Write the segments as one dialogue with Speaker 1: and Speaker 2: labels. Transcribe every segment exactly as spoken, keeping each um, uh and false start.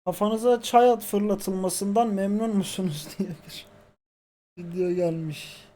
Speaker 1: Kafanıza çay at fırlatılmasından memnun musunuz diye bir video gelmiş.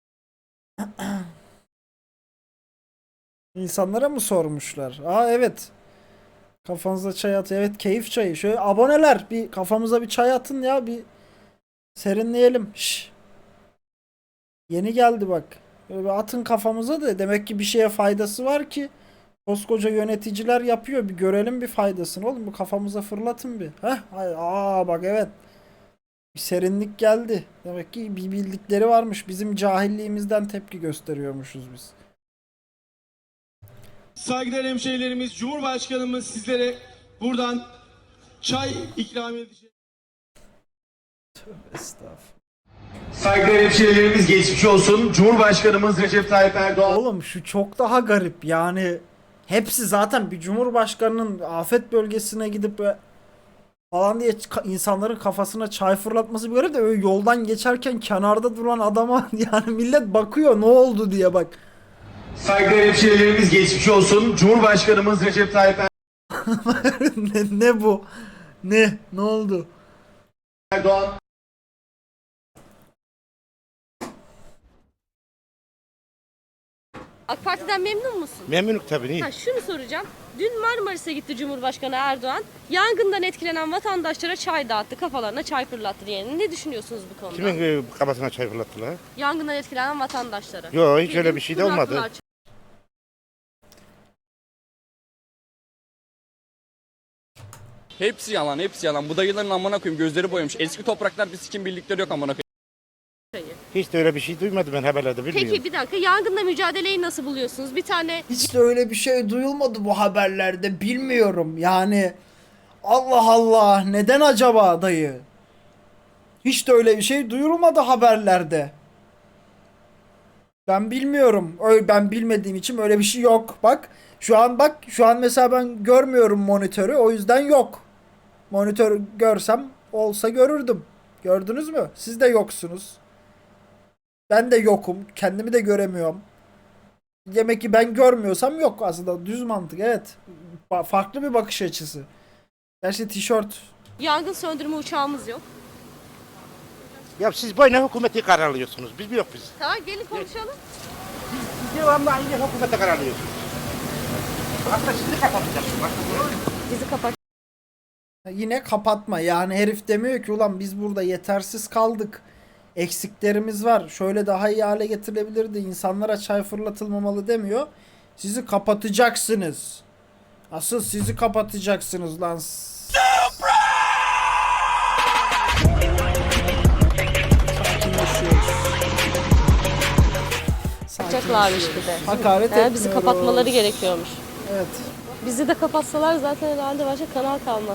Speaker 1: İnsanlara mı sormuşlar? Aa evet. Kafanıza çay at. Evet, keyif çayı. Şöyle aboneler bir kafamıza bir çay atın ya, bir serinleyelim. Şş. Yeni geldi bak. Böyle bir atın kafamıza da, demek ki bir şeye faydası var ki koskoca yöneticiler yapıyor. Bir görelim bir faydasını oğlum. Bu kafamıza fırlatın bir. Heh. Aa bak, evet. Bir serinlik geldi. Demek ki bir bildikleri varmış. Bizim cahilliğimizden tepki gösteriyormuşuz biz.
Speaker 2: Saygıdeğer hemşehrilerimiz, Cumhurbaşkanımız sizlere buradan çay ikram edecek.
Speaker 1: Tövbe estağfurullah.
Speaker 2: Saygıdeğer hemşehrilerimiz, geçmiş olsun. Cumhurbaşkanımız Recep Tayyip Erdoğan.
Speaker 1: Oğlum şu çok daha garip yani. Hepsi zaten bir cumhurbaşkanının afet bölgesine gidip böyle falan diye insanların kafasına çay fırlatması bir garip de, öyle yoldan geçerken kenarda duran adama yani millet bakıyor ne oldu diye bak.
Speaker 2: Saygıdeğer hemşehrilerimiz, geçmiş olsun. Cumhurbaşkanımız Recep Tayyip
Speaker 1: ne, ne bu? Ne? Ne oldu?
Speaker 2: Erdoğan.
Speaker 3: AK Parti'den memnun musun?
Speaker 4: Memnunum tabii. Niye?
Speaker 3: Ha, şunu soracağım. Dün Marmaris'e gitti Cumhurbaşkanı Erdoğan. Yangından etkilenen vatandaşlara çay dağıttı, kafalarına çay fırlattı diye. Ne düşünüyorsunuz bu konuda?
Speaker 4: Kimin e, kafasına çay fırlattılar?
Speaker 3: Yangından etkilenen vatandaşlara.
Speaker 4: Yok, hiç
Speaker 3: Bildiğin
Speaker 4: öyle bir şey de
Speaker 3: fırlattılar
Speaker 4: olmadı.
Speaker 3: çay-
Speaker 5: Hepsi yalan, hepsi yalan. Bu dayıların amına koyayım, gözleri boyamış. Eski topraklar bir sikim bildikleri yok amına koyayım.
Speaker 3: çayı.
Speaker 4: Hiç de öyle bir şey duymadım ben haberlerde, bilmiyorum.
Speaker 3: Peki bir dakika, yangınla mücadeleyi nasıl buluyorsunuz? Bir tane
Speaker 1: Hiç de öyle bir şey duyulmadı bu haberlerde, bilmiyorum yani. Allah Allah, neden acaba dayı? Hiç de öyle bir şey duyurulmadı haberlerde. Ben bilmiyorum. Öyle, ben bilmediğim için öyle bir şey yok. Bak şu an, bak şu an mesela ben görmüyorum monitörü, o yüzden yok. Monitörü görsem olsa görürdüm. Gördünüz mü? Siz de yoksunuz. Ben de yokum. Kendimi de göremiyorum. Demek ki ben görmüyorsam yok aslında. Düz mantık, evet. Ba- farklı bir bakış açısı. Gerçi tişört.
Speaker 3: yangın söndürme uçağımız yok.
Speaker 4: Ya siz boyuna hükümeti kararlıyorsunuz. Biz mi yok biz?
Speaker 3: Tamam, gelin konuşalım.
Speaker 4: Siz devamlı aynı hükümete kararlıyorsunuz. Aslında sizi kapatacaksınız.
Speaker 3: Bizi kapat.
Speaker 1: Yine kapatma. Yani herif demiyor ki ulan biz burada yetersiz kaldık. Eksiklerimiz var. Şöyle daha iyi hale getirilebilirdi. İnsanlara çay fırlatılmamalı demiyor. Sizi kapatacaksınız. Asıl sizi kapatacaksınız lan. Sakinleşiyoruz.
Speaker 3: Yapacaklarmış bir de.
Speaker 1: Hakaret
Speaker 3: He, bizi
Speaker 1: etmiyoruz.
Speaker 3: kapatmaları gerekiyormuş.
Speaker 1: Evet.
Speaker 3: Bizi de kapatsalar zaten herhalde başka kanal kalmaz.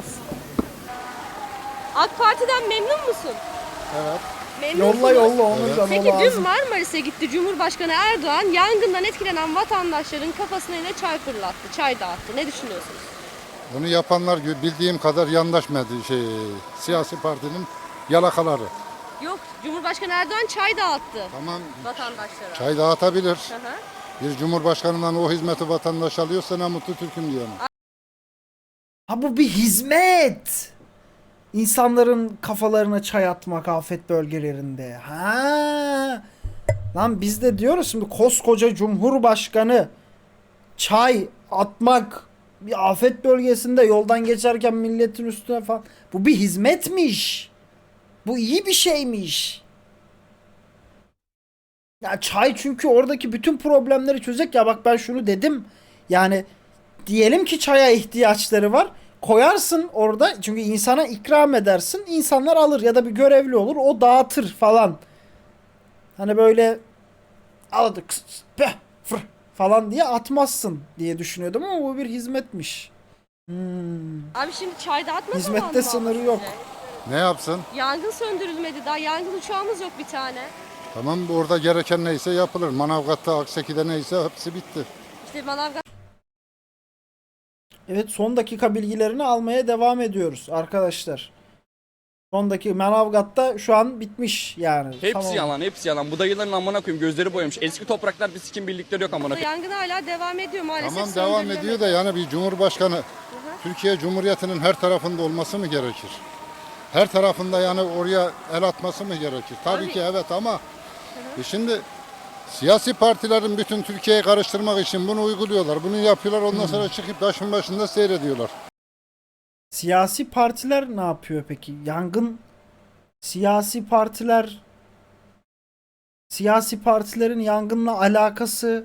Speaker 3: AK Parti'den memnun musun?
Speaker 1: Evet.
Speaker 3: Memnunsunuz.
Speaker 1: Yolla yolla onu da
Speaker 3: Peki dün
Speaker 1: lazım.
Speaker 3: Marmaris'e gitti Cumhurbaşkanı Erdoğan, yangından etkilenen vatandaşların kafasına yine çay fırlattı, çay dağıttı. Ne düşünüyorsunuz?
Speaker 6: Bunu yapanlar bildiğim kadar yandaş medya şey siyasi partinin yalakaları.
Speaker 3: Yok, Cumhurbaşkanı Erdoğan çay dağıttı
Speaker 6: Tamam,
Speaker 3: vatandaşlara.
Speaker 6: çay dağıtabilir.
Speaker 3: Hı hı.
Speaker 6: Bir cumhurbaşkanından o hizmeti vatandaş alıyorsa ne mutlu Türk'üm diyorum.
Speaker 1: Ha, bu bir hizmet. İnsanların kafalarına çay atmak afet bölgelerinde. Ha. Lan biz de diyoruz şimdi, koskoca Cumhurbaşkanı çay atmak bir afet bölgesinde yoldan geçerken milletin üstüne falan. Bu bir hizmetmiş. Bu iyi bir şeymiş. Ya çay çünkü oradaki bütün problemleri çözecek. Ya bak, ben şunu dedim. Yani diyelim ki çaya ihtiyaçları var. Koyarsın orada, çünkü insana ikram edersin. İnsanlar alır ya da bir görevli olur, o dağıtır falan. Hani böyle aldık falan diye atmazsın diye düşünüyordum ama bu bir hizmetmiş. Hmm.
Speaker 3: Abi şimdi çay dağıtma
Speaker 1: Hizmette
Speaker 3: zamanı mı
Speaker 1: sınırı
Speaker 3: ama
Speaker 1: yok.
Speaker 3: size?
Speaker 6: Ne yapsın?
Speaker 3: Yangın söndürülmedi daha, yangın uçağımız yok bir tane.
Speaker 6: Tamam, orada gereken neyse yapılır. Manavgat'ta, Akseki'de neyse hepsi bitti.
Speaker 3: İşte Manavgat
Speaker 1: Evet, son dakika bilgilerini almaya devam ediyoruz arkadaşlar. Son dakika Manavgat'ta şu an bitmiş yani.
Speaker 5: Hepsi
Speaker 1: Tamam.
Speaker 5: yalan, hepsi yalan. Bu dayıların amına koyayım, gözleri boyamış. Eski topraklar bir sikim bildikleri yok amına koyayım.
Speaker 3: yangın hala devam ediyor maalesef.
Speaker 6: Tamam, devam
Speaker 3: söndürülemedi.
Speaker 6: ediyor da yani bir cumhurbaşkanı Türkiye Cumhuriyeti'nin her tarafında olması mı gerekir? Her tarafında yani oraya el atması mı gerekir? Tabii
Speaker 3: Abi-
Speaker 6: ki evet ama e şimdi siyasi partilerin bütün Türkiye'yi karıştırmak için bunu uyguluyorlar. Bunu yapıyorlar ondan sonra çıkıp taşın başında seyrediyorlar.
Speaker 1: Siyasi partiler ne yapıyor peki? Yangın siyasi partiler siyasi partilerin yangınla alakası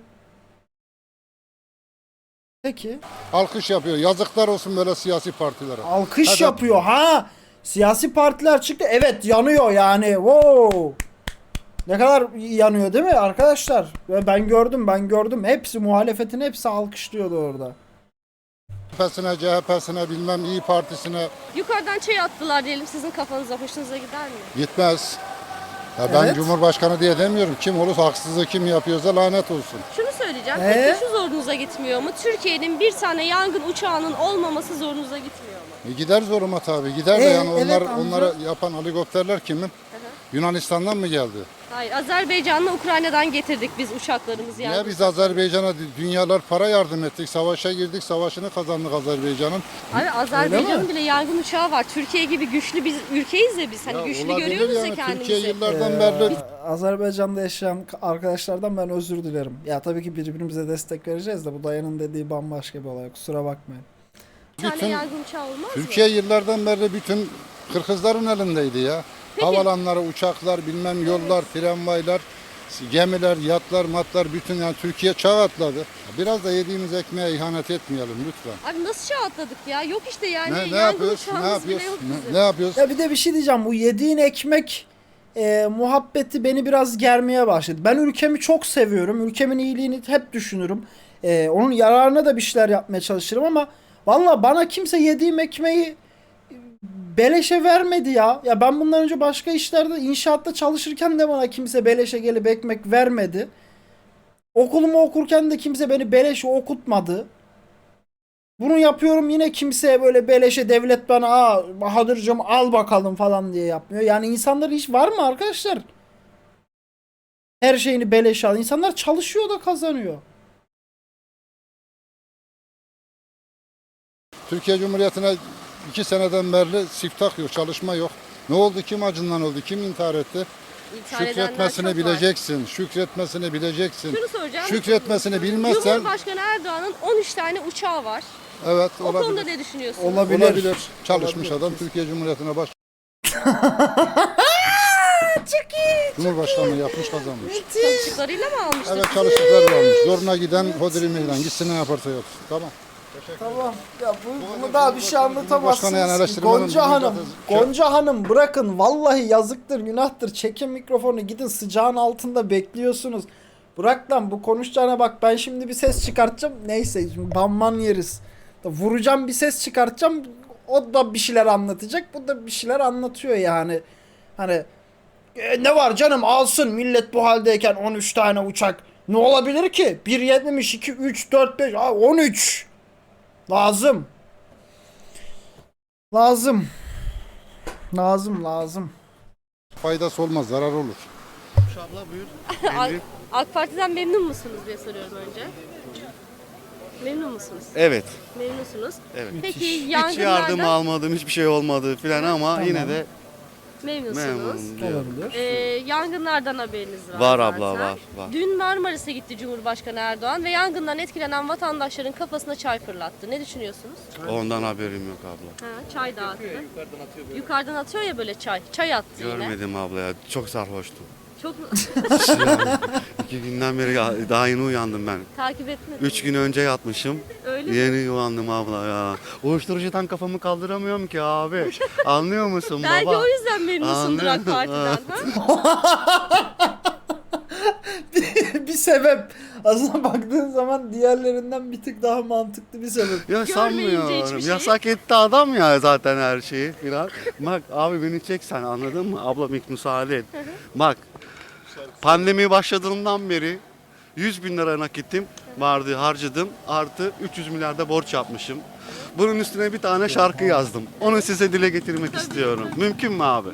Speaker 1: peki
Speaker 6: Alkış yapıyor. Yazıklar olsun böyle siyasi partilere.
Speaker 1: alkış
Speaker 6: Hadi.
Speaker 1: yapıyor ha. Siyasi partiler çıktı. Evet yanıyor yani. Wow. Ne kadar yanıyor değil mi arkadaşlar? Ve ben gördüm ben gördüm. Hepsi muhalefetin hepsi alkışlıyordu orada.
Speaker 6: C H P'sine, C H P'sine bilmem İyi Partisi'ne
Speaker 3: Yukarıdan çay attılar diyelim, sizin kafanıza hoşunuza gider mi?
Speaker 6: gitmez. Ya ben
Speaker 1: Evet.
Speaker 6: Cumhurbaşkanı diye demiyorum. Kim olursa haksızlığı kim yapıyorsa lanet olsun.
Speaker 3: Şunu söyleyeceğim.
Speaker 1: Ee?
Speaker 3: Peki şu zorunuza gitmiyor mu? Türkiye'nin bir tane yangın uçağının olmaması zorunuza gitmiyor mu?
Speaker 6: E gider zoruma tabii. Gider de
Speaker 1: Ee,
Speaker 6: yani
Speaker 1: evet,
Speaker 6: onlar
Speaker 1: amca.
Speaker 6: onları yapan helikopterler kimin? Yunanistan'dan mı geldi?
Speaker 3: Hayır, Azerbaycan'la Ukrayna'dan getirdik biz uçaklarımızı yani.
Speaker 6: Ya biz Azerbaycan'a dünyalar para yardım ettik. Savaşa girdik. Savaşını kazandık Azerbaycan'ın.
Speaker 3: Abi Azerbaycan'ın
Speaker 1: mi?
Speaker 3: bile yangın uçağı var. Türkiye gibi güçlü bir ülkeyiz ya biz. Hani
Speaker 6: Ya
Speaker 3: güçlü
Speaker 6: olabilir
Speaker 3: görüyoruz ya
Speaker 6: yani.
Speaker 3: kendimizi.
Speaker 6: Türkiye yıllardan
Speaker 1: Ee,
Speaker 6: beri
Speaker 1: Azerbaycan'da yaşayan arkadaşlardan ben özür dilerim. Ya tabii ki birbirimize destek vereceğiz de bu dayının dediği bambaşka bir olay. Kusura bakmayın.
Speaker 3: Bir tane
Speaker 6: bütün
Speaker 3: yangın uçağı olmaz mı?
Speaker 6: Türkiye yıllardan beri bütün Kırgızların elindeydi ya.
Speaker 3: Peki.
Speaker 6: Havalanları, uçaklar, bilmem yollar, tramvaylar, gemiler, yatlar, matlar bütün yani Türkiye çağ atladı. Biraz da yediğimiz ekmeğe ihanet etmeyelim lütfen.
Speaker 3: Abi nasıl çağ atladık ya? Yok işte yani
Speaker 6: Ne, ne
Speaker 3: yangın
Speaker 6: yapıyoruz? Ne
Speaker 3: uçağımız bile
Speaker 6: yapıyoruz?
Speaker 3: yok bizim.
Speaker 6: Ne, ne yapıyoruz?
Speaker 1: Ya bir de bir şey diyeceğim. Bu yediğin ekmek e, muhabbeti beni biraz germeye başladı. Ben ülkemi çok seviyorum. Ülkemin iyiliğini hep düşünürüm. E, onun yararına da bir şeyler yapmaya çalışırım ama valla bana kimse yediğim ekmeği beleşe vermedi ya. Ya ben bundan önce başka işlerde inşaatta çalışırken de bana kimse beleşe gelip ekmek vermedi. Okulumu okurken de kimse beni beleşe okutmadı. Bunu yapıyorum yine kimseye böyle beleşe devlet bana aa Bahadır'cığım al bakalım falan diye yapmıyor. Yani insanların hiç var mı arkadaşlar? Her şeyini beleşe al. İnsanlar çalışıyor da kazanıyor.
Speaker 6: Türkiye Cumhuriyeti'ne iki seneden beri siftah yok, çalışma yok. Ne oldu? Kim acından öldü? Kim intihar etti?
Speaker 3: İntihar edenler
Speaker 6: Şükretmesini
Speaker 3: çok var.
Speaker 6: bileceksin. Şükretmesini bileceksin.
Speaker 3: Şunu soracağım.
Speaker 6: Şükretmesini bilmezsen
Speaker 3: Cumhurbaşkanı Erdoğan'ın on üç tane uçağı var.
Speaker 6: evet
Speaker 3: O konuda
Speaker 6: olabilir.
Speaker 3: ne düşünüyorsunuz?
Speaker 1: Olabilir.
Speaker 6: Olabilir. Çalışmış adam Türkiye Cumhuriyeti'ne baş. Cumhurbaşkanlığı yapmış kazanmış.
Speaker 3: Çalıştıklarıyla mı almıştır?
Speaker 6: Evet çalıştıkları olmuş. Zoruna giden hodri meydan. Gitsin ne yaparsa yapsın. Tamam.
Speaker 1: Tamam. Ya bu, bunu daha bir şey
Speaker 6: Cumhurbaşkanı yani
Speaker 1: anlatamazsınız.
Speaker 6: eleştirmenin
Speaker 1: Gonca
Speaker 6: bizim
Speaker 1: Hanım.
Speaker 6: zaten-
Speaker 1: Gonca Hanım bırakın. Vallahi yazıktır, günahtır. Çekin mikrofonu gidin sıcağın altında bekliyorsunuz. Bırak lan bu konuşacağına bak ben şimdi bir ses çıkartacağım. Neyse şimdi banman yeriz. Vuracağım bir ses çıkartacağım. O da bir şeyler anlatacak. Bu da bir şeyler anlatıyor yani. Hani e, ne var canım alsın millet bu haldeyken on üç tane uçak. Ne olabilir ki? bir yetmiş, iki, üç, dört, beş, aa, on üç. Lazım. Lazım. Lazım lazım.
Speaker 6: Faydası olmaz, zarar olur.
Speaker 3: AK, AK Parti'den memnun musunuz diye soruyorum önce. Memnun musunuz?
Speaker 7: Evet.
Speaker 3: Memnunsunuz.
Speaker 7: Evet.
Speaker 3: Peki
Speaker 7: Hiç
Speaker 3: yangınlardan
Speaker 7: yardım almadım, hiçbir şey olmadı filan ama yine de
Speaker 3: memnunsunuz.
Speaker 7: memnunum diyorum.
Speaker 1: Olabilir.
Speaker 3: Ee, yangınlardan haberiniz var.
Speaker 7: Var
Speaker 3: zaten.
Speaker 7: abla, var, var.
Speaker 3: Dün Marmaris'e gitti Cumhurbaşkanı Erdoğan ve yangından etkilenen vatandaşların kafasına çay fırlattı. Ne düşünüyorsunuz?
Speaker 7: Ondan haberim yok abla.
Speaker 3: Ha, çay dağıttı. Yukarıdan atıyor ya böyle çay. Çay attı yine.
Speaker 7: Görmedim abla ya. Çok sarhoştum.
Speaker 3: Çok
Speaker 7: İki günden beri ya, daha yeni uyandım ben.
Speaker 3: takip etmedim.
Speaker 7: Üç gün önce yatmışım.
Speaker 3: Öyle mi?
Speaker 7: Yeni uyandım abla ya. Uyuşturucudan kafamı kaldıramıyorum ki abi. Anlıyor musun
Speaker 3: Belki
Speaker 7: baba?
Speaker 3: o yüzden memnunsundur AK
Speaker 7: Anlıyorum.
Speaker 3: Parti'den. Ha?
Speaker 1: bir sebep. Aslında baktığın zaman diğerlerinden bir tık daha mantıklı bir sebep.
Speaker 7: Ya
Speaker 3: Görmeyince
Speaker 7: sanmıyorum.
Speaker 3: hiçbir şey.
Speaker 7: Yasak etti adam ya zaten her şeyi filan. Bak abi beni çek sen anladın mı? Ablam ilk müsaade et. Bak pandemi başladığından beri yüz bin lira nakitim vardı harcadım. Artı üç yüz milyarda borç yapmışım. Bunun üstüne bir tane şarkı yazdım. Onu size dile getirmek istiyorum. Mümkün mü abi?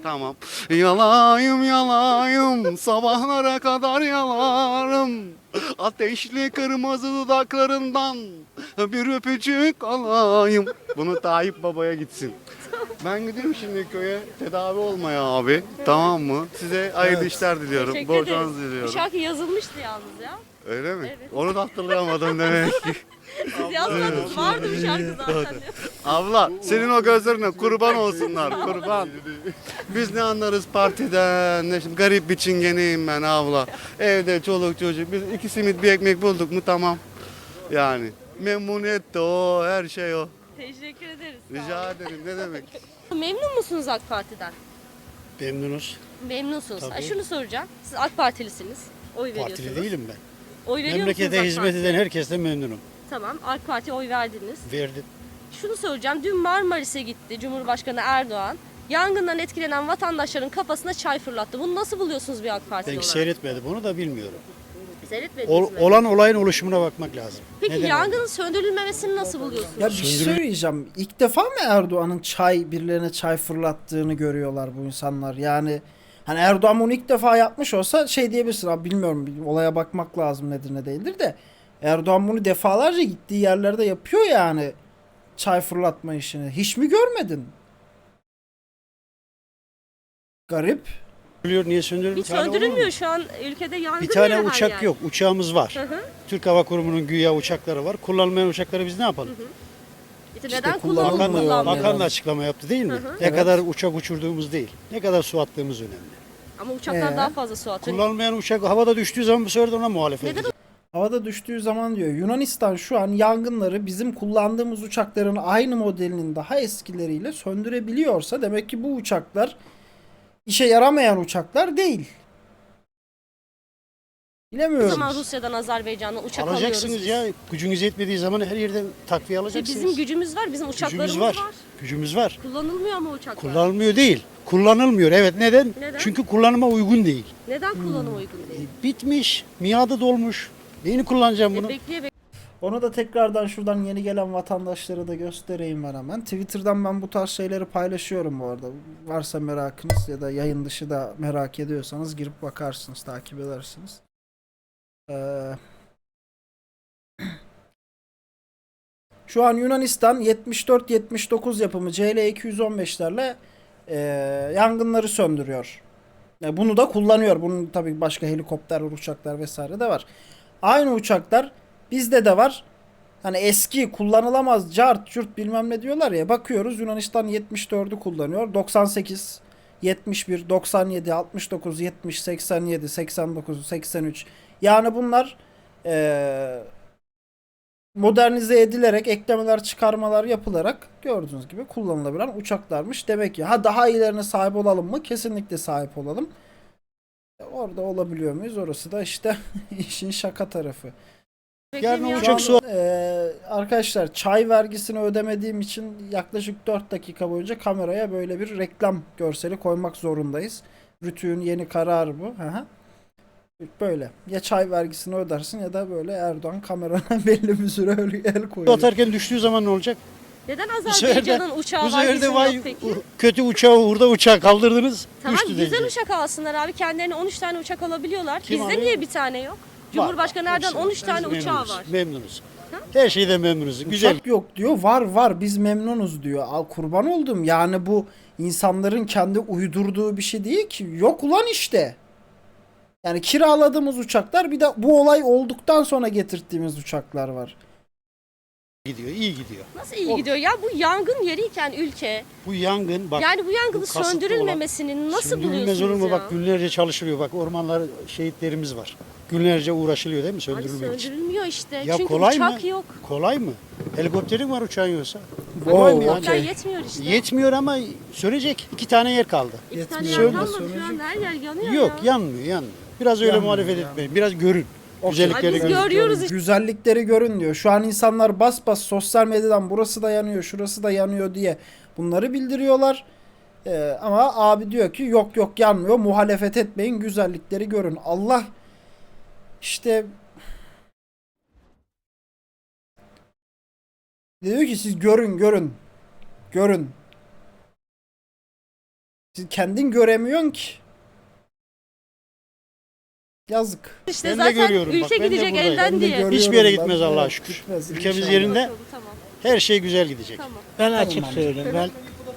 Speaker 7: Tamam. Yalayım yalayım sabahlara kadar yalarım. Ateşli kırmızı dudaklarından bir öpücük alayım. Bunu Tayyip Baba'ya gitsin. Ben gidiyorum şimdi köye tedavi olmaya abi. Tamam mı? Size hayırlı işler diliyorum.
Speaker 3: Teşekkür
Speaker 7: Bol
Speaker 3: ederiz.
Speaker 7: şans
Speaker 3: Bu
Speaker 7: diliyorum.
Speaker 3: şarkı yazılmıştı yalnız ya.
Speaker 7: Öyle mi?
Speaker 3: Evet.
Speaker 7: Onu da hatırlayamadım demek ki.
Speaker 3: Siz yazmadınız. Vardı bir şarkı zaten.
Speaker 7: Abla senin o gözlerine kurban olsunlar kurban. Biz ne anlarız partiden, ne şimdi garip bir çingeneyim ben abla. Evde çoluk çocuk biz iki simit bir ekmek bulduk mu tamam. Yani memnuniyet de o her şey o.
Speaker 3: Teşekkür ederiz.
Speaker 7: Rica ederim ne demek.
Speaker 3: Memnun musunuz AK Parti'den?
Speaker 8: Memnunuz.
Speaker 3: Memnunsunuz.
Speaker 8: Tabii.
Speaker 3: Ha, şunu soracağım. Siz AK Partilisiniz. Oy veriyorsunuz.
Speaker 8: Partili değilim ben.
Speaker 3: Oy veriyor
Speaker 8: Memlekete
Speaker 3: musunuz AK
Speaker 8: hizmet
Speaker 3: Parti'ye?
Speaker 8: eden herkesle memnunum.
Speaker 3: Tamam. AK Parti'ye oy verdiniz.
Speaker 8: Verdim.
Speaker 3: Şunu soracağım. Dün Marmaris'e gitti Cumhurbaşkanı Erdoğan. Yangından etkilenen vatandaşların kafasına çay fırlattı. Bunu nasıl buluyorsunuz bir AK Partili
Speaker 8: Ben
Speaker 3: olarak?
Speaker 8: seyretmedim onu da bilmiyorum.
Speaker 3: Seyretmediniz
Speaker 8: Ol-
Speaker 3: mi?
Speaker 8: olan olayın oluşumuna bakmak lazım.
Speaker 3: Peki
Speaker 8: Neden
Speaker 3: yangının söndürülmemesini nasıl buluyorsunuz?
Speaker 1: Ya bir şey söyleyeceğim. İlk defa mı Erdoğan'ın çay birilerine çay fırlattığını görüyorlar bu insanlar? Yani hani Erdoğan bunu ilk defa yapmış olsa şey diyebilirsin abi bilmiyorum bir olaya bakmak lazım nedir ne değildir de Erdoğan bunu defalarca gittiği yerlerde yapıyor yani çay fırlatma işini. Hiç mi görmedin? Garip.
Speaker 8: söndürülüyor? Niye söndürülüyor?
Speaker 3: Hiç söndürülmüyor şu an ülkede yangın
Speaker 8: Bir tane
Speaker 3: yeri her
Speaker 8: uçak
Speaker 3: yer.
Speaker 8: yok. Uçağımız var.
Speaker 3: Hı hı.
Speaker 8: Türk Hava Kurumu'nun güya uçakları var. Kullanılmayan uçakları biz ne yapalım?
Speaker 3: İşte
Speaker 1: İşte
Speaker 3: neden
Speaker 1: kullanılmıyor
Speaker 3: kullanılmıyor?
Speaker 1: yani.
Speaker 8: Bakan,
Speaker 3: kullanmıyor?
Speaker 8: bakan da açıklama yaptı değil mi?
Speaker 3: Hı hı.
Speaker 8: Ne
Speaker 1: Evet.
Speaker 8: kadar uçak uçurduğumuz değil. Ne kadar su attığımız önemli.
Speaker 3: Ama uçaklar
Speaker 1: Ee?
Speaker 3: daha fazla su atıyor.
Speaker 8: Kullanılmayan uçak havada düştüğü zaman bu sefer de ona muhalefet
Speaker 3: Neden
Speaker 8: edeceğiz.
Speaker 1: Havada düştüğü zaman diyor Yunanistan şu an yangınları bizim kullandığımız uçakların aynı modelinin daha eskileriyle söndürebiliyorsa demek ki bu uçaklar işe yaramayan uçaklar değil.
Speaker 3: O
Speaker 1: Bilemiyorum.
Speaker 3: zaman Rusya'dan, Azerbaycan'dan uçak
Speaker 8: Alacaksınız
Speaker 3: alıyoruz
Speaker 8: ya. Gücünüz yetmediği zaman her yerden takviye
Speaker 3: biz. İşte
Speaker 8: alacaksınız.
Speaker 3: bizim gücümüz var, bizim uçaklarımız
Speaker 8: Gücümüz
Speaker 3: var.
Speaker 8: var. Gücümüz var.
Speaker 3: Kullanılmıyor ama uçaklar.
Speaker 8: Kullanılmıyor değil. Kullanılmıyor. Evet neden?
Speaker 3: Neden?
Speaker 8: Çünkü kullanıma uygun değil.
Speaker 3: Neden kullanıma uygun değil?
Speaker 8: Bitmiş. Miadı dolmuş. Neyini kullanacağım
Speaker 3: E,
Speaker 8: bunu?
Speaker 3: bekleye bekleye
Speaker 1: Onu da tekrardan şuradan yeni gelen vatandaşlara da göstereyim ben hemen. Twitter'dan ben bu tarz şeyleri paylaşıyorum bu arada. Varsa merakınız ya da yayın dışı da merak ediyorsanız girip bakarsınız, takip edersiniz. Ee, Şu an Yunanistan yetmiş dört yetmiş dokuz yapımı C L iki yüz on beşlerle e, yangınları söndürüyor. E, bunu da kullanıyor. Bunun tabii başka helikopter, uçaklar vesaire de var. Aynı uçaklar bizde de var. Hani eski kullanılamaz cart cürt bilmem ne diyorlar ya. Bakıyoruz Yunanistan yetmiş dördü kullanıyor. doksan sekiz, yetmiş bir, doksan yedi, altmış dokuz, yetmiş, seksen yedi, seksen dokuz, seksen üç. Yani bunlar eee modernize edilerek eklemeler çıkarmalar yapılarak gördüğünüz gibi kullanılabilen uçaklarmış. Demek ki ha daha iyilerine sahip olalım mı? Kesinlikle sahip olalım. Orada olabiliyor muyuz? Orası da işte işin şaka tarafı.
Speaker 8: Yarın
Speaker 3: beklemiyor.
Speaker 8: uçak
Speaker 1: Şu an, eee, arkadaşlar çay vergisini ödemediğim için yaklaşık dört dakika boyunca kameraya böyle bir reklam görseli koymak zorundayız. Rütü'nün yeni kararı bu. Hı hı. Böyle. Ya çay vergisini ödersin ya da böyle Erdoğan kamerana belli bir süre öyle el koyuyor.
Speaker 8: Atarken düştüğü zaman ne olacak?
Speaker 3: Neden
Speaker 8: Bu sefer de,
Speaker 3: Azerbaycan'ın uçağı
Speaker 8: bu
Speaker 3: var
Speaker 8: sefer
Speaker 3: bizim
Speaker 8: de vay
Speaker 3: yok peki?
Speaker 8: u- kötü uçağı hurda uçağı kaldırdınız.
Speaker 3: Tamam
Speaker 8: düştü
Speaker 3: güzel
Speaker 8: diyecek.
Speaker 3: uçak alsınlar abi. Kendilerine on üç tane uçak alabiliyorlar.
Speaker 8: Kim
Speaker 3: Bizde
Speaker 8: alıyor?
Speaker 3: niye bir tane yok? Cumhurbaşkanı
Speaker 8: Var,
Speaker 3: Erdoğan
Speaker 8: hepsi
Speaker 3: on üç
Speaker 8: var.
Speaker 3: tane
Speaker 8: Biz
Speaker 3: uçağı
Speaker 8: memnunuz,
Speaker 3: var.
Speaker 8: Memnunuz. Her şeyden memnunuz. Güzel.
Speaker 1: Uçak yok diyor. Var var biz memnunuz diyor. Al kurban oldum. Yani bu insanların kendi uydurduğu bir şey değil ki. Yok ulan işte. Yani kiraladığımız uçaklar bir de bu olay olduktan sonra getirttiğimiz uçaklar var.
Speaker 8: Gidiyor, iyi gidiyor.
Speaker 3: Nasıl iyi gidiyor ya? Bu yangın yeriyken ülke.
Speaker 8: Bu yangın bak.
Speaker 3: yani bu yangını
Speaker 8: bu kasıtlı
Speaker 3: söndürülmemesini nasıl
Speaker 8: Söndürülmez
Speaker 3: buluyorsunuz
Speaker 8: olur mu?
Speaker 3: ya?
Speaker 8: Bak günlerce çalışılıyor. Bak ormanlar şehitlerimiz var. Günlerce uğraşılıyor değil mi
Speaker 3: Abi
Speaker 8: söndürülmek için?
Speaker 3: söndürülmüyor işte.
Speaker 8: Ya
Speaker 3: Çünkü
Speaker 8: kolay
Speaker 3: uçak
Speaker 8: mı?
Speaker 3: yok.
Speaker 8: Kolay mı? Helikopterin var uçağın yoksa.
Speaker 1: Oo,
Speaker 8: Kolay mı yani?
Speaker 1: okey.
Speaker 3: Uçaklar yetmiyor işte.
Speaker 8: Yetmiyor ama sönecek. İki tane yer kaldı.
Speaker 3: İki tane
Speaker 1: Yetmiyor.
Speaker 3: yer
Speaker 1: Söyle,
Speaker 3: kalmadı şu an
Speaker 1: söyleyecek.
Speaker 3: her yer yanıyor
Speaker 8: Yok
Speaker 3: ya.
Speaker 8: yanmıyor yanmıyor. Biraz öyle
Speaker 1: Yanmıyor,
Speaker 8: muhalefet
Speaker 1: yanmıyor.
Speaker 8: etmeyin. Biraz görün. Güzellikleri
Speaker 3: Ay biz
Speaker 8: görün.
Speaker 3: görüyoruz işte.
Speaker 1: Güzellikleri görün diyor. Şu an insanlar bas bas sosyal medyadan burası da yanıyor, şurası da yanıyor diye bunları bildiriyorlar. Ee, ama abi diyor ki yok yok yanmıyor. Muhalefet etmeyin, güzellikleri görün. Allah işte diyor ki siz görün görün. Görün. Siz kendin göremiyorsun ki.
Speaker 3: İşte
Speaker 1: Yazık.
Speaker 8: Ben de
Speaker 3: zaten
Speaker 8: görüyorum,
Speaker 3: ülke
Speaker 8: bak, ben de
Speaker 3: gidecek
Speaker 8: buradayım.
Speaker 3: elden
Speaker 1: Ben de
Speaker 3: diye.
Speaker 1: görüyorum.
Speaker 8: Hiçbir yere
Speaker 1: Ben
Speaker 8: gitmez
Speaker 1: de-
Speaker 8: Allah'a şükür.
Speaker 1: Gitmez,
Speaker 8: Ülkemiz
Speaker 1: inşallah.
Speaker 8: yerinde,
Speaker 3: Tamam.
Speaker 8: her şey güzel gidecek.
Speaker 3: Tamam.
Speaker 9: Ben açık
Speaker 1: amca.
Speaker 9: söyleyeyim. Ben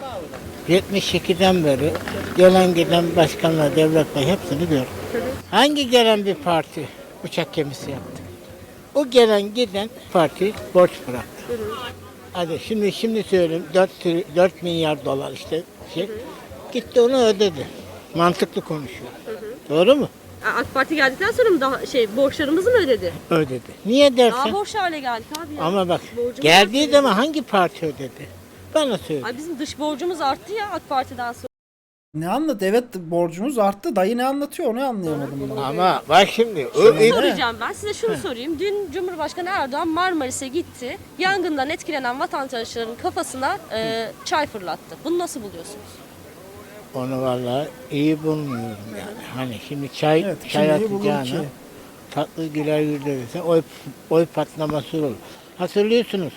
Speaker 9: yetmiş ikiden beri gelen giden başkanlar, devletler hepsini gördüm. Hangi gelen bir parti uçak gemisi yaptı? O gelen giden parti borç bıraktı. Hadi şimdi şimdi söyleyeyim dört milyar dolar işte şey. Gitti onu ödedi. Mantıklı konuşuyor. Doğru mu?
Speaker 3: AK Parti geldikten sonra mı daha şey borçlarımızı mı ödedi?
Speaker 9: Ödedi. Niye
Speaker 3: Daha
Speaker 9: dersen?
Speaker 3: borçlu hale geldik abi ya.
Speaker 9: Ama bak
Speaker 3: Borcumuz
Speaker 9: geldiği
Speaker 3: arttı.
Speaker 9: zaman hangi parti ödedi? Bana söyle.
Speaker 3: Ay bizim dış borcumuz arttı ya AK Parti'den sonra.
Speaker 1: Ne anlat? Evet borcumuz arttı. Dayı ne anlatıyor onu anlayamadım ben.
Speaker 9: Ama bak şimdi o
Speaker 1: Şimdi-
Speaker 3: Soracağım ben size şunu sorayım. Dün Cumhurbaşkanı Erdoğan Marmaris'e gitti. Yangından etkilenen vatandaşların kafasına e, çay fırlattı. Bunu nasıl buluyorsunuz?
Speaker 9: Onu vallahi iyi bulmuyorum yani. Hani şimdi çay,
Speaker 1: Evet,
Speaker 9: çay
Speaker 1: kim iyi bulur
Speaker 9: atacağına
Speaker 1: ki?
Speaker 9: tatlı güler yüzle oy, oy patlaması olur. Hatırlıyorsunuz.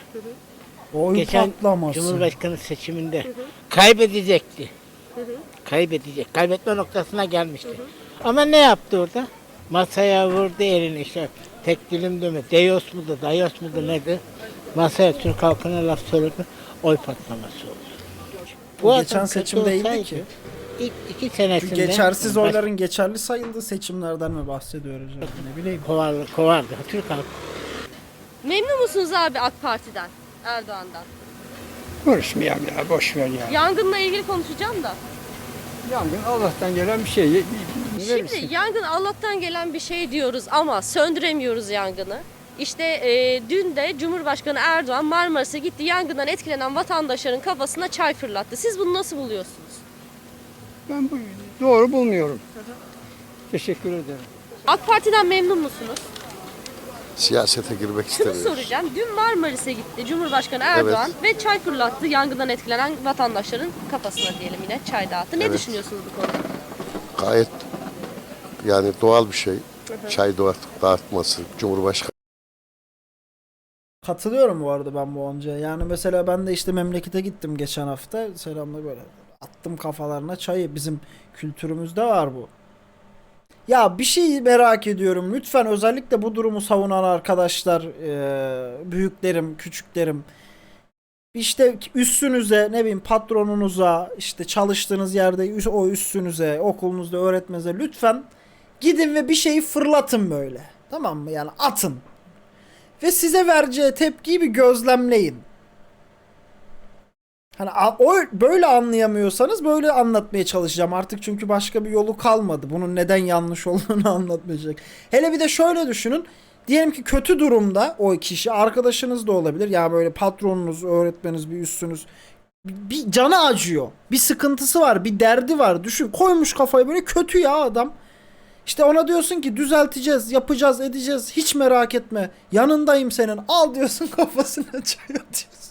Speaker 1: Oy
Speaker 9: Geçen
Speaker 1: patlaması.
Speaker 9: Cumhurbaşkanı seçiminde kaybedecekti. Kaybedecek. Kaybetme noktasına gelmişti. Ama ne yaptı orada? Masaya vurdu elini işte. Tek dilim deme. Deyos mudur, dayos mudur nedir? Masaya Türk halkına laf söyledi. Oy patlaması oldu.
Speaker 1: Bu
Speaker 9: adam
Speaker 1: geçen
Speaker 9: kötü
Speaker 1: seçim değildi
Speaker 9: olsaydı,
Speaker 1: ki.
Speaker 9: İlk iki senesinde
Speaker 1: Geçersiz
Speaker 9: baş-
Speaker 1: oyların geçerli sayıldığı seçimlerden mi bahsediyoruz? Yani? Ne bileyim.
Speaker 9: kovardı, kovardı. Türk halkı.
Speaker 3: Memnun musunuz abi AK Parti'den, Erdoğan'dan?
Speaker 10: Konuşmayalım ya, boş ver ya.
Speaker 3: Yangınla ilgili konuşacağım da.
Speaker 10: Yangın Allah'tan gelen bir şey.
Speaker 3: Şimdi yangın Allah'tan gelen bir şey diyoruz ama söndüremiyoruz yangını. İşte e, dün de Cumhurbaşkanı Erdoğan Marmaris'e gitti. Yangından etkilenen vatandaşların kafasına çay fırlattı. Siz bunu nasıl buluyorsunuz?
Speaker 10: Ben bu doğru bulmuyorum. Teşekkür ederim.
Speaker 3: AK Parti'den memnun musunuz?
Speaker 7: Siyasete girmek
Speaker 3: Şunu
Speaker 7: istemiyorum.
Speaker 3: soracağım. Dün Marmaris'e gitti Cumhurbaşkanı Erdoğan ve çay fırlattı. Yangından etkilenen vatandaşların kafasına diyelim yine çay dağıttı. Ne
Speaker 7: Evet.
Speaker 3: düşünüyorsunuz bu konuda?
Speaker 7: Gayet yani doğal bir şey. Çay dağıt, dağıtması, Cumhurbaşkanı.
Speaker 1: Katılıyorum bu arada ben bu onca. Yani mesela ben de işte memlekete gittim geçen hafta. Selamla böyle attım kafalarına çayı. Bizim kültürümüzde var bu. Ya bir şey merak ediyorum. Lütfen özellikle bu durumu savunan arkadaşlar, eee, büyüklerim, küçüklerim. İşte üstünüze, ne bileyim patronunuza, işte çalıştığınız yerde üs- o üstünüze, okulunuzda öğretmenize lütfen gidin ve bir şeyi fırlatın böyle. Tamam mı? Yani atın. Ve size vereceği tepkiyi bir gözlemleyin. Hani a- o böyle anlayamıyorsanız böyle anlatmaya çalışacağım artık çünkü başka bir yolu kalmadı. Bunun neden yanlış olduğunu anlatmayacak. Hele bir de şöyle düşünün. Diyelim ki kötü durumda o kişi arkadaşınız da olabilir. Ya böyle patronunuz, öğretmeniniz, bir üstünüz. Bir, bir canı acıyor. Bir sıkıntısı var, bir derdi var. Düşün koymuş kafayı böyle kötü ya adam. İşte ona diyorsun ki düzelteceğiz, yapacağız, edeceğiz. Hiç merak etme. Yanındayım senin. Al diyorsun kafasına çay atıyorsun.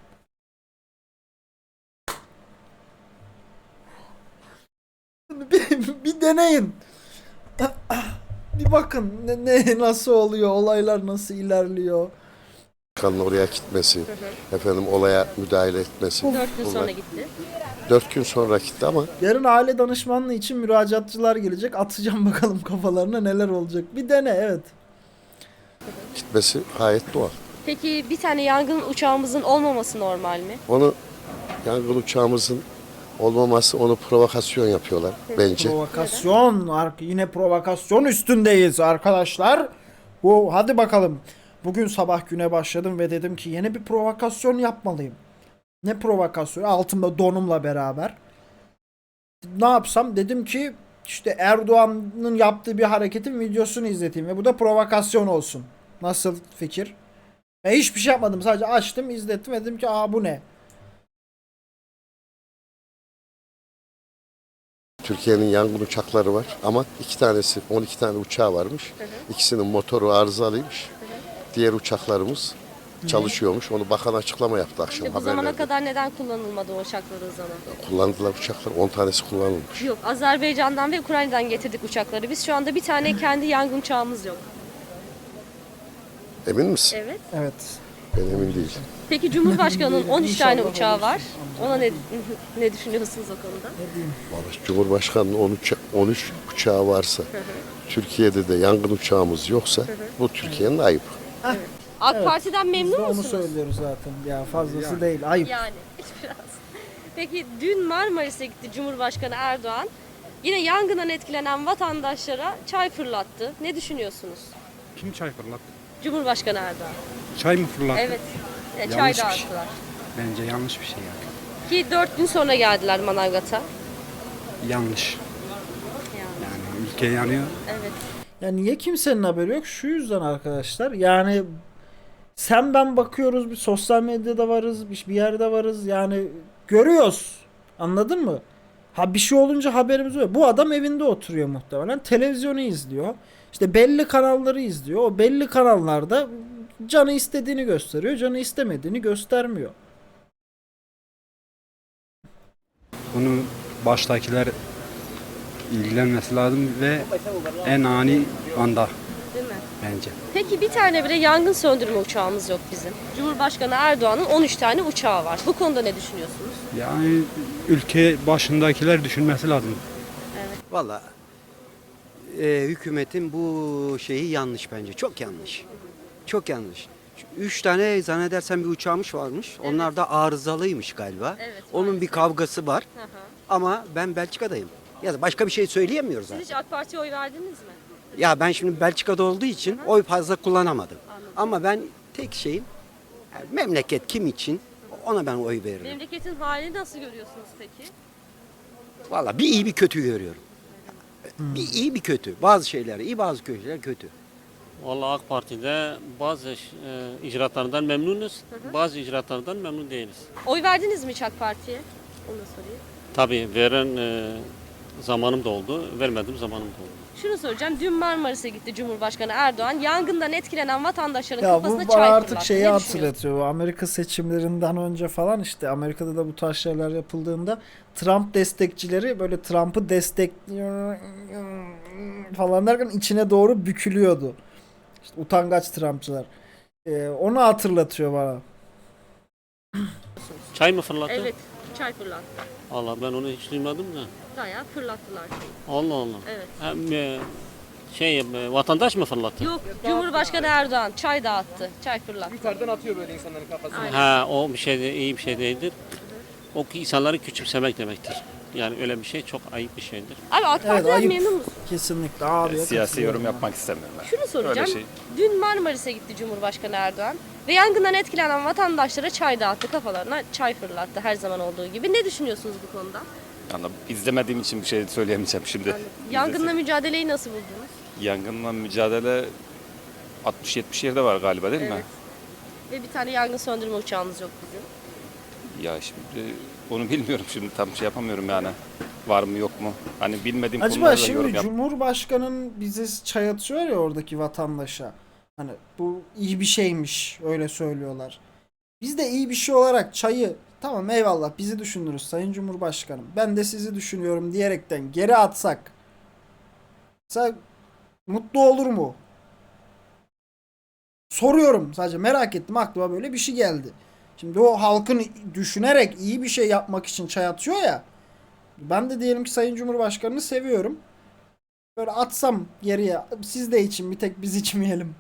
Speaker 1: Bir, bir deneyin. Bir bakın ne, ne nasıl oluyor, olaylar nasıl ilerliyor.
Speaker 7: Başkanın oraya gitmesi, efendim olaya müdahale etmesi.
Speaker 3: Dört gün
Speaker 7: bunlar.
Speaker 3: sonra gitti.
Speaker 7: Dört gün sonra gitti ama
Speaker 1: Yarın aile danışmanlığı için müracaatçılar gelecek. Atacağım bakalım kafalarına neler olacak. Bir dene evet.
Speaker 7: gitmesi gayet doğal.
Speaker 3: Peki bir tane yangın uçağımızın olmaması normal mi?
Speaker 7: Onu yangın uçağımızın olmaması onu provokasyon yapıyorlar bence.
Speaker 1: Provokasyon. ar- Yine provokasyon üstündeyiz arkadaşlar. Bu hadi bakalım. Bugün sabah güne başladım ve dedim ki yeni bir provokasyon yapmalıyım. Ne provokasyonu? Altımda donumla beraber. Ne yapsam? Dedim ki işte Erdoğan'ın yaptığı bir hareketin videosunu izleteyim ve bu da provokasyon olsun. Nasıl fikir? Ben hiçbir şey yapmadım. Sadece açtım, izlettim ve dedim ki aa bu ne?
Speaker 7: Türkiye'nin yangın uçakları var ama iki tanesi, on iki tane uçağı varmış. İkisinin motoru arızalıymış. Diğer uçaklarımız çalışıyormuş. Onu bakan açıklama yaptı akşam
Speaker 3: İşte bu zamana
Speaker 7: haberlerde.
Speaker 3: kadar neden kullanılmadı o uçaklar o zaman?
Speaker 7: Kullandılar uçaklar, on tanesi kullanılmış.
Speaker 3: Yok, Azerbaycan'dan ve Ukrayna'dan getirdik uçakları. Biz şu anda bir tane kendi yangın uçağımız yok.
Speaker 7: Emin misin?
Speaker 3: Evet.
Speaker 1: Evet.
Speaker 6: Ben emin değilim.
Speaker 3: Peki Cumhurbaşkanı'nın on üç tane
Speaker 1: İnşallah
Speaker 3: uçağı var.
Speaker 1: olursun.
Speaker 3: Ona ne ne düşünüyorsunuz o konuda?
Speaker 6: Vallahi Cumhurbaşkanı'nın on üç, on üç uçağı varsa, Türkiye'de de yangın uçağımız yoksa bu Türkiye'nin ayıbı.
Speaker 3: AK
Speaker 1: Evet.
Speaker 3: Parti'den
Speaker 1: Biz de
Speaker 3: memnun
Speaker 1: onu
Speaker 3: musunuz?
Speaker 1: söylüyoruz zaten. Ya fazlası değil. Ayıp.
Speaker 3: Yani biraz. Peki dün Marmaris'e gitti Cumhurbaşkanı Erdoğan. Yine yangından etkilenen vatandaşlara çay fırlattı. Ne düşünüyorsunuz?
Speaker 4: Kim çay fırlattı?
Speaker 3: Cumhurbaşkanı Erdoğan.
Speaker 4: Çay mı fırlattı?
Speaker 3: Evet. E, çay
Speaker 4: Yanlış bir şey.
Speaker 3: dağıttılar.
Speaker 4: Bence yanlış bir şey yani.
Speaker 3: Ki dört gün sonra geldiler Manavgat'a.
Speaker 4: Yanlış.
Speaker 3: Yani,
Speaker 4: Yani ülke yanıyor.
Speaker 3: evet.
Speaker 1: Ya niye kimsenin haberi yok? Şu yüzden arkadaşlar. Yani sen ben bakıyoruz, bir sosyal medyada varız, bir bir yerde varız. Yani görüyoruz. Anladın mı? Ha bir şey olunca haberimiz oluyor. Bu adam evinde oturuyor muhtemelen. Televizyonu izliyor. İşte belli kanalları izliyor. O belli kanallarda canı istediğini gösteriyor. Canı istemediğini göstermiyor.
Speaker 4: Bunu baştakiler ilgilenmesi lazım ve en ani anda
Speaker 3: Değil mi?
Speaker 4: bence.
Speaker 3: Peki bir tane bile yangın söndürme uçağımız yok bizim. Cumhurbaşkanı Erdoğan'ın on üç tane uçağı var. Bu konuda ne düşünüyorsunuz?
Speaker 4: Yani ülke başındakiler düşünmesi lazım.
Speaker 11: Valla e, hükümetin bu şeyi yanlış bence. Çok yanlış. Çok yanlış. Üç tane zannedersem bir uçağmış varmış. Onlar da arızalıymış galiba.
Speaker 3: Evet,
Speaker 11: Onun
Speaker 3: maalesef.
Speaker 11: bir kavgası var.
Speaker 3: Hı hı.
Speaker 11: Ama ben Belçika'dayım. Ya da başka bir şey söyleyemiyoruz
Speaker 3: Siz
Speaker 11: zaten.
Speaker 3: hiç AK Parti'ye oy verdiniz mi?
Speaker 11: Ya ben şimdi Belçika'da olduğu için oy fazla kullanamadım. Ama ben tek şeyim yani memleket kim için ona ben oy veririm.
Speaker 3: Memleketin halini nasıl görüyorsunuz peki?
Speaker 11: Valla bir iyi bir kötü görüyorum. Bir iyi bir kötü. Bazı şeyler iyi, bazı şeyler kötü.
Speaker 12: Vallahi AK Parti'de bazı e, icraatlarından memnunuz, bazı icraatlardan memnun değiliz.
Speaker 3: Oy verdiniz mi hiç AK Parti'ye? Onu da sorayım.
Speaker 12: Tabii veren e, zamanım da oldu, vermediğim zamanım da oldu.
Speaker 3: Şunu soracağım. Dün Marmaris'e gitti Cumhurbaşkanı Erdoğan. Yangından etkilenen vatandaşların
Speaker 1: Ya
Speaker 3: kafasına
Speaker 1: bu
Speaker 3: çay
Speaker 1: bana artık
Speaker 3: fırlattı.
Speaker 1: şeyi
Speaker 3: Ne düşünüyorsun?
Speaker 1: hatırlatıyor. Bu Amerika seçimlerinden önce falan işte Amerika'da da bu tarz şeyler yapıldığında Trump destekçileri böyle Trump'ı destekliyor falan derken içine doğru bükülüyordu. İşte utangaç Trumpçılar. Ee, onu hatırlatıyor bana.
Speaker 12: Çay mı fırlattı?
Speaker 3: Evet. Çay fırlattı.
Speaker 12: Allah ben onu hiç duymadım da.
Speaker 3: Bayağı fırlattılar.
Speaker 12: Allah Allah.
Speaker 3: Evet.
Speaker 12: Hem e, şey e, vatandaş mı fırlattı?
Speaker 3: Yok. Cumhurbaşkanı Erdoğan çay dağıttı. Çay fırlattı.
Speaker 4: Yukarıdan atıyor böyle insanların kafasına.
Speaker 12: Ha o bir şey de, iyi bir şey değildir. O ki insanları küçümsemek demektir. Yani öyle bir şey çok ayıp bir şeydir.
Speaker 3: Abi AK
Speaker 1: Evet,
Speaker 3: Parti'den
Speaker 1: ayıp.
Speaker 3: memnun musun?
Speaker 1: Kesinlikle abi.
Speaker 5: Siyasi yorum yapmak istemiyorum ben.
Speaker 3: Şunu soracağım.
Speaker 5: Öyle şey.
Speaker 3: Dün Marmaris'e gitti Cumhurbaşkanı Erdoğan ve yangından etkilenen vatandaşlara çay dağıttı, kafalarına çay fırlattı her zaman olduğu gibi. Ne düşünüyorsunuz bu konuda?
Speaker 5: Yani izlemediğim için bir şey söyleyemeyeceğim şimdi.
Speaker 3: Yangınla mücadeleyi nasıl buldunuz?
Speaker 5: Yangınla mücadele altmış yetmiş yerde var galiba değil mi?
Speaker 3: Evet. Ve bir tane yangın söndürme uçağımız yok bizim.
Speaker 5: Ya şimdi onu bilmiyorum şimdi tam şey yapamıyorum yani. Var mı yok mu? Hani bilmediğim
Speaker 1: Acaba
Speaker 5: konularda yorum
Speaker 1: şimdi
Speaker 5: yap.
Speaker 1: Cumhurbaşkanın bize çay atıyor ya oradaki vatandaşa. Hani bu iyi bir şeymiş öyle söylüyorlar. Biz de iyi bir şey olarak çayı tamam eyvallah bizi düşünürüz Sayın Cumhurbaşkanım. Ben de sizi düşünüyorum diyerekten geri atsak. Sen mutlu olur mu? Soruyorum sadece merak ettim aklıma böyle bir şey geldi. Şimdi o halkın düşünerek iyi bir şey yapmak için çay atıyor ya. Ben de diyelim ki Sayın Cumhurbaşkanı'nı seviyorum. Böyle atsam geriye siz de için bir tek biz içmeyelim.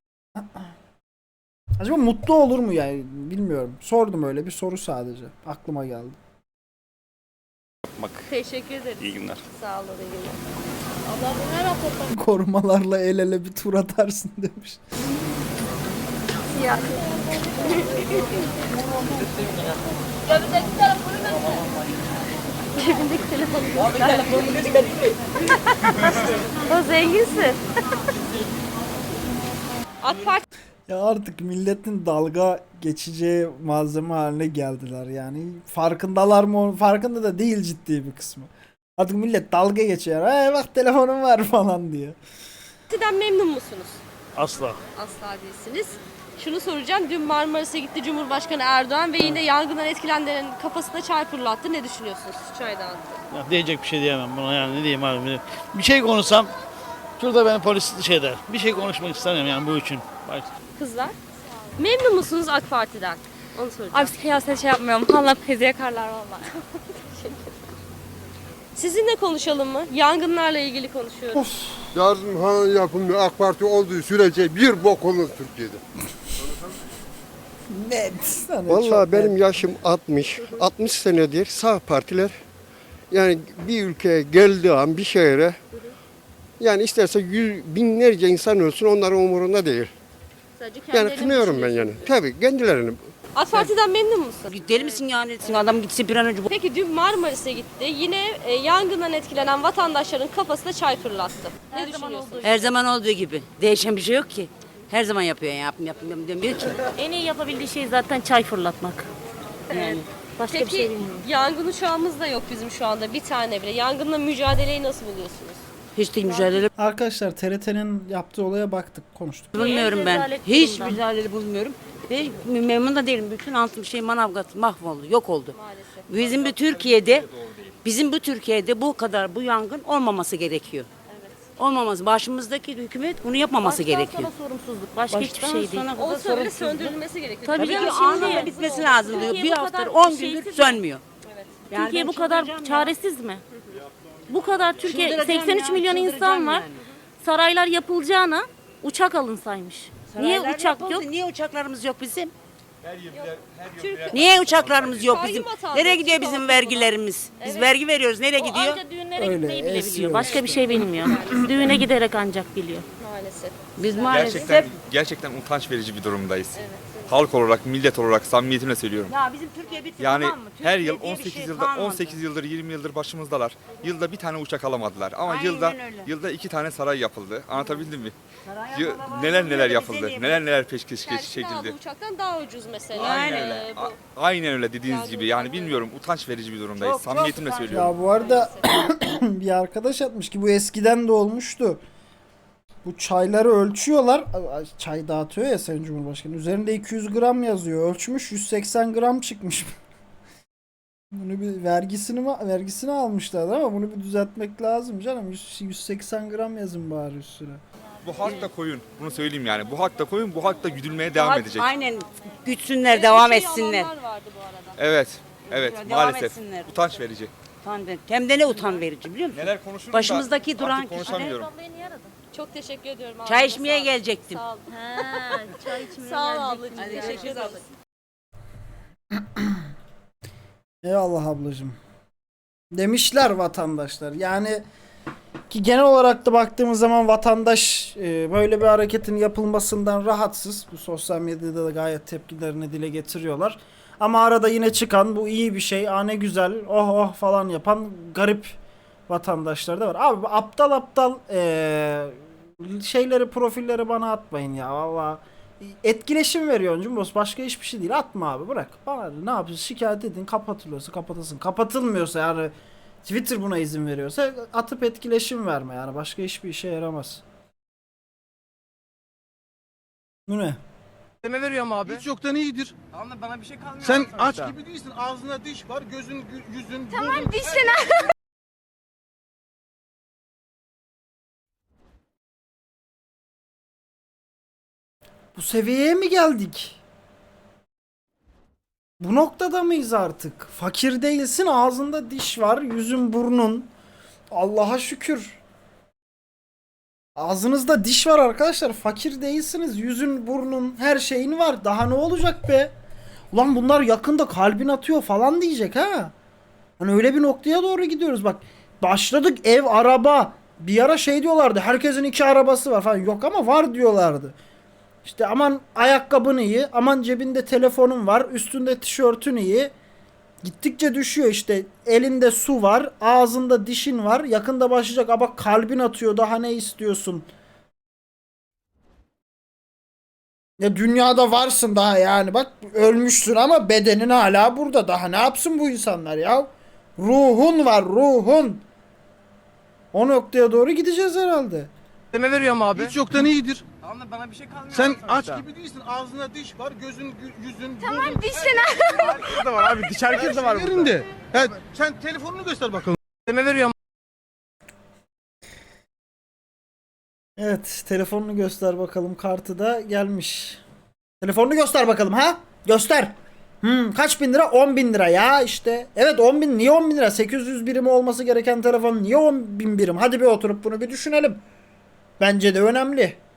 Speaker 1: Acaba mutlu olur mu yani bilmiyorum. Sordum öyle bir soru sadece. Aklıma geldi.
Speaker 5: Yapmak.
Speaker 3: Teşekkür ederiz.
Speaker 5: İyi günler.
Speaker 3: Sağ olun, iyi günler. Allah ne raporlar?
Speaker 1: Korumalarla el ele bir tur atarsın demiş.
Speaker 3: Siyasi. Cebindeki telefonu göster. O zenginsin. AK Parti
Speaker 1: Ya artık milletin dalga geçeceği malzeme haline geldiler yani. Farkındalar mı? Farkında da değil ciddi bir kısmı. Artık millet dalga geçiyor. Hey bak telefonum var falan diye.
Speaker 3: Parti'den memnun musunuz?
Speaker 12: Asla.
Speaker 3: Asla değilsiniz. Şunu soracağım. Dün Marmaris'e gitti Cumhurbaşkanı Erdoğan ve yine yangından etkilenenlerin kafasına çay fırlattı. Ne düşünüyorsunuz? Çay dağıttı.
Speaker 13: Ya diyecek bir şey diyemem buna yani ne diyeyim abi. Bir şey konuşsam şurada beni polis şey der. Bir şey konuşmak istemiyorum yani bu için. Bak.
Speaker 3: Kızlar? Memnun musunuz AK Parti'den? Onu soracağım.
Speaker 14: Abi siyaset şey yapmıyorum. Allah pezi yakarlar valla.
Speaker 3: Sizinle konuşalım mı? Yangınlarla ilgili konuşuyoruz.
Speaker 15: Yardım ha yapılmıyor. AK Parti olduğu sürece bir bok olur Türkiye'de.
Speaker 1: Net. Hani
Speaker 15: Vallahi
Speaker 1: çok
Speaker 15: benim
Speaker 1: net.
Speaker 15: yaşım altmış. altmış senedir sağ partiler yani bir ülkeye geldiği an bir şehre yani isterse yüz, binlerce insan ölsün onların umurunda değil.
Speaker 3: Sadece
Speaker 15: Yani
Speaker 3: kendilerini
Speaker 15: kınıyorum ben yani.
Speaker 3: düşünüyorsunuz.
Speaker 15: Tabii kendilerini.
Speaker 3: AK Parti'den memnun musun?
Speaker 16: Deli misin yani? Adam gitsin bir an önce.
Speaker 3: Peki dün Marmaris'e gitti. Yine e, yangından etkilenen vatandaşların kafasına çay fırlattı. Ne düşünüyorsunuz?
Speaker 16: Her zaman olduğu gibi. Değişen bir şey yok ki. Her zaman yapıyor yani yapım yapım yapım demiyor ki.
Speaker 14: En iyi yapabildiği şey zaten çay fırlatmak. Yani başka bir
Speaker 3: Peki
Speaker 14: şey bilmiyorum.
Speaker 3: yangın uçağımız da yok bizim şu anda bir tane bile. Yangınla mücadeleyi nasıl buluyorsunuz?
Speaker 16: Hiç de mücadele
Speaker 1: Arkadaşlar T R T'nin yaptığı olaya baktık, konuştuk.
Speaker 16: bulmuyorum ben.
Speaker 14: rezalet
Speaker 16: Hiç
Speaker 14: durumda.
Speaker 16: mücadele bulmuyorum. Ve memnun da değilim. Bütün altın şey Manavgat mahvoldu, yok oldu.
Speaker 3: Maalesef.
Speaker 16: Bizim bu Türkiye'de, bizim bu Türkiye'de bu kadar bu yangın olmaması gerekiyor. Olmaması. Başımızdaki hükümet bunu yapmaması
Speaker 14: Baştan
Speaker 16: gerekiyor.
Speaker 14: sona sorumsuzluk. Başka hiçbir
Speaker 16: Baştan
Speaker 14: şey değil.
Speaker 16: sona kadar
Speaker 3: Olsa bile
Speaker 16: sorumsuzluk.
Speaker 3: söndürülmesi gerekiyor.
Speaker 14: Tabii
Speaker 16: Tabii
Speaker 14: ki
Speaker 16: ki
Speaker 14: şimdi-
Speaker 16: anında bitmesi lazım diyor.
Speaker 14: Türkiye
Speaker 16: Bir
Speaker 14: bu
Speaker 16: hafta,
Speaker 14: kadar
Speaker 16: on gündür
Speaker 14: şeysiz mi?
Speaker 16: sönmüyor. Yani
Speaker 14: Türkiye
Speaker 16: ben
Speaker 14: bu kadar
Speaker 16: çıldıracağım ya.
Speaker 14: çaresiz mi? Bu kadar Türkiye
Speaker 16: Çıldıracağım
Speaker 14: seksen üç
Speaker 16: ya,
Speaker 14: milyon insan
Speaker 16: çıldıracağım
Speaker 14: var.
Speaker 16: yani.
Speaker 14: Saraylar yapılacağına uçak alınsaymış. Niye
Speaker 16: Saraylar
Speaker 14: uçak
Speaker 16: yapıldı,
Speaker 14: yok?
Speaker 16: Niye uçaklarımız yok bizim? Niye uçaklarımız yok
Speaker 3: Kayyum
Speaker 16: bizim?
Speaker 3: vatandaşı
Speaker 16: Nereye gidiyor
Speaker 3: olsa
Speaker 16: bizim
Speaker 3: buna.
Speaker 16: vergilerimiz? Biz
Speaker 3: Evet.
Speaker 16: vergi veriyoruz. Nereye
Speaker 14: O
Speaker 16: gidiyor?
Speaker 14: anca düğünlere
Speaker 1: Öyle,
Speaker 14: gitmeyi bile
Speaker 1: esiyor
Speaker 14: biliyor. Başka bir
Speaker 1: işte.
Speaker 14: şey bilmiyor. Düğüne giderek ancak biliyor.
Speaker 3: Maalesef.
Speaker 16: Biz maalesef
Speaker 5: Gerçekten gerçekten utanç verici bir durumdayız. Halk olarak, millet olarak samimiyetimle söylüyorum.
Speaker 16: ya bizim Türkiye bitti
Speaker 5: Yani
Speaker 16: tamam mı?
Speaker 5: her
Speaker 16: Türkiye
Speaker 5: yıl
Speaker 16: diye bir
Speaker 5: on sekiz
Speaker 16: şey
Speaker 5: yılda
Speaker 16: kalmadı.
Speaker 5: on sekiz yıldır yirmi yıldır başımızdalar. Yılda bir tane uçak alamadılar ama
Speaker 16: Aynen
Speaker 5: yılda
Speaker 16: öyle.
Speaker 5: yılda iki tane saray yapıldı. Anlatabildim mi?
Speaker 16: Saray
Speaker 5: Yı-
Speaker 16: yapılan
Speaker 5: neler
Speaker 16: var,
Speaker 5: neler
Speaker 16: bize
Speaker 5: yapıldı.
Speaker 16: niye
Speaker 5: Neler neler peşkeş
Speaker 3: Kendisine aldığı
Speaker 5: çekildi.
Speaker 3: uçaktan daha ucuz mesela.
Speaker 5: Aynen
Speaker 3: Ee,
Speaker 5: öyle.
Speaker 3: bu.
Speaker 5: A- Aynen öyle dediğiniz
Speaker 3: Yangın
Speaker 5: gibi. Yani
Speaker 3: uçakları.
Speaker 5: bilmiyorum utanç verici bir durumdayız.
Speaker 16: Çok, çok
Speaker 5: Samimiyetimle
Speaker 16: utanç.
Speaker 5: söylüyorum.
Speaker 1: Ya bu arada bir arkadaş atmış ki bu eskiden de olmuştu. Bu çayları ölçüyorlar. Ay, çay dağıtıyor ya Sayın Cumhurbaşkanı. Üzerinde iki yüz gram yazıyor. Ölçmüş yüz seksen gram çıkmış. Bunu bir vergisini mi- vergisini almışlar ama bunu bir düzeltmek lazım canım. yüz, yüz seksen gram yazın bari üstüne.
Speaker 5: Bu halk da koyun. Bunu söyleyeyim yani. Bu halk da koyun. Bu halk da güdülmeye devam
Speaker 16: Halk
Speaker 5: edecek.
Speaker 16: Aynen güçsünler, devam
Speaker 3: Bir şey
Speaker 16: etsinler.
Speaker 3: alanlar vardı bu arada.
Speaker 5: Evet. Evet
Speaker 16: Devam
Speaker 5: maalesef.
Speaker 16: etsinler.
Speaker 5: Utanç verici.
Speaker 16: Utan ver- Hem de ne utan verici biliyor musun?
Speaker 5: Neler konuşurum
Speaker 16: Başımızdaki
Speaker 5: da
Speaker 16: duran
Speaker 5: artık konuşamıyorum.
Speaker 3: Çok teşekkür ediyorum.
Speaker 16: Çay
Speaker 3: Ağzına
Speaker 16: içmeye
Speaker 3: sağlık.
Speaker 16: gelecektim.
Speaker 3: Sağ ol.
Speaker 14: Ha, çay içmeye
Speaker 3: Sağ ol
Speaker 14: gelecektim.
Speaker 3: ablacığım. Teşekkür ederiz.
Speaker 1: Eyvallah ablacığım. Demişler vatandaşlar. Yani ki genel olarak da baktığımız zaman vatandaş e, böyle bir hareketin yapılmasından rahatsız. Bu sosyal medyada da gayet tepkilerini dile getiriyorlar. Ama arada yine çıkan bu iyi bir şey, aa ne güzel, oh oh falan yapan garip vatandaşlar da var. Abi bu aptal aptal e, şeyleri, profilleri bana atmayın ya. Valla etkileşim veriyor Cumbos. Başka hiçbir şey değil. Atma abi, bırak. Bana ne yapıyorsun? Şikayet edin. Kapatılıyorsa kapatasın. Kapatılmıyorsa yani Twitter buna izin veriyorsa atıp etkileşim verme yani. Başka hiçbir işe yaramaz. Bu ne?
Speaker 4: Ne veriyorum abi?
Speaker 10: Hiç yoktan iyidir.
Speaker 4: Ama bana bir şey kalmıyor.
Speaker 10: Sen
Speaker 4: abi
Speaker 10: aç
Speaker 4: sonuçta.
Speaker 10: gibi değilsin. Ağzında diş var, gözün, gü- yüzün,
Speaker 14: Tamam
Speaker 10: burnun-
Speaker 14: dişine.
Speaker 1: Bu seviyeye mi geldik? Bu noktada mıyız artık? Fakir değilsin, ağzında diş var, yüzün burnun. Allah'a şükür. Ağzınızda diş var arkadaşlar. Fakir değilsiniz. Yüzün, burnun, her şeyin var. Daha ne olacak be? Ulan bunlar yakında kalbin atıyor falan diyecek ha. Hani öyle bir noktaya doğru gidiyoruz bak. Başladık ev, araba. Bir ara şey diyorlardı. Herkesin iki arabası var falan. Yok ama var diyorlardı. İşte aman ayakkabın iyi, aman cebinde telefonun var, üstünde tişörtün iyi. Gittikçe düşüyor işte. Elinde su var, ağzında dişin var. Yakında başlayacak. Ama kalbin atıyor, daha ne istiyorsun? Ya dünyada varsın daha yani. Bak ölmüşsün ama bedenin hala burada. Daha ne yapsın bu insanlar ya? Ruhun var, ruhun. O noktaya doğru gideceğiz herhalde.
Speaker 4: Ne veriyorum abi?
Speaker 10: Hiç yoktan iyidir.
Speaker 4: Ama bana bir şey kalmıyor.
Speaker 10: Sen
Speaker 4: abi
Speaker 10: aç
Speaker 4: sonuçta.
Speaker 10: gibi değilsin. Ağzında diş var, gözün, gü- yüzün,
Speaker 14: Tamam
Speaker 10: burnun-
Speaker 14: dişine.
Speaker 4: Herkes de var abi. Diş herkes de var burada.
Speaker 10: yerinde. Evet, sen telefonunu göster bakalım.
Speaker 4: Ne veriyorum?
Speaker 1: Evet, telefonunu göster bakalım. Kartı da gelmiş. Telefonunu göster bakalım ha? Göster. Hmm, kaç bin lira? on bin lira ya işte. Evet on bin. Niye on bin lira? sekiz yüz birimi olması gereken telefon niye on bin birim? Hadi bir oturup bunu bir düşünelim. Bence de önemli.